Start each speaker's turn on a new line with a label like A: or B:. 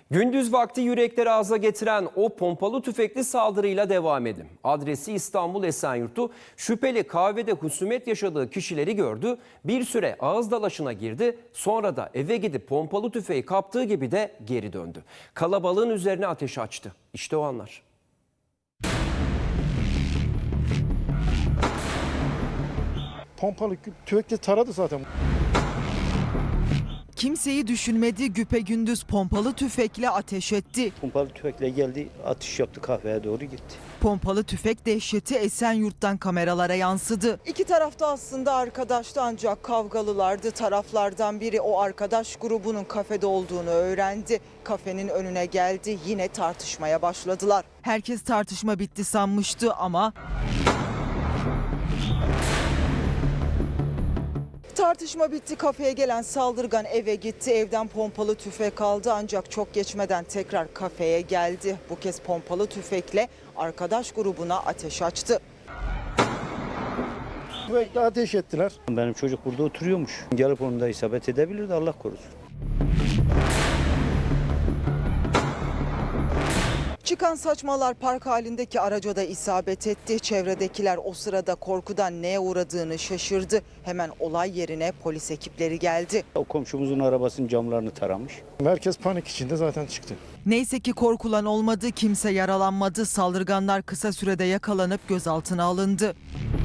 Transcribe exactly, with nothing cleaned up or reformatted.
A: Gündüz vakti yürekleri ağza getiren o pompalı tüfekli saldırıyla devam edelim. Adresi İstanbul Esenyurt'tu. Şüpheli kahvede husumet yaşadığı kişileri gördü. Bir süre ağız dalaşına girdi. Sonra da eve gidip pompalı tüfeği kaptığı gibi de geri döndü. Kalabalığın üzerine ateş açtı. İşte o anlar.
B: Pompalı tüfekle taradı zaten.
C: Kimseyi düşünmedi, güpegündüz pompalı tüfekle ateş etti.
D: Pompalı tüfekle geldi, atış yaptı, kahveye doğru gitti.
C: Pompalı tüfek dehşeti Esenyurt'tan kameralara yansıdı. İki tarafta aslında arkadaştı ancak kavgalılardı. Taraflardan biri o arkadaş grubunun kafede olduğunu öğrendi. Kafenin önüne geldi, yine tartışmaya başladılar. Herkes tartışma bitti sanmıştı ama... Tartışma bitti, kafeye gelen saldırgan eve gitti, evden pompalı tüfek aldı ancak çok geçmeden tekrar kafeye geldi. Bu kez pompalı tüfekle arkadaş grubuna ateş açtı.
B: Tüfekle ateş ettiler.
D: Benim çocuk burada oturuyormuş. Gelip onu da isabet edebilirdi, Allah korusun.
C: Çıkan saçmalar park halindeki araca da isabet etti. Çevredekiler o sırada korkudan neye uğradığını şaşırdı. Hemen olay yerine polis ekipleri geldi.
D: O komşumuzun arabasının camlarını taramış.
B: Herkes panik içinde zaten çıktı.
C: Neyse ki korkulan olmadı, kimse yaralanmadı. Saldırganlar kısa sürede yakalanıp gözaltına alındı.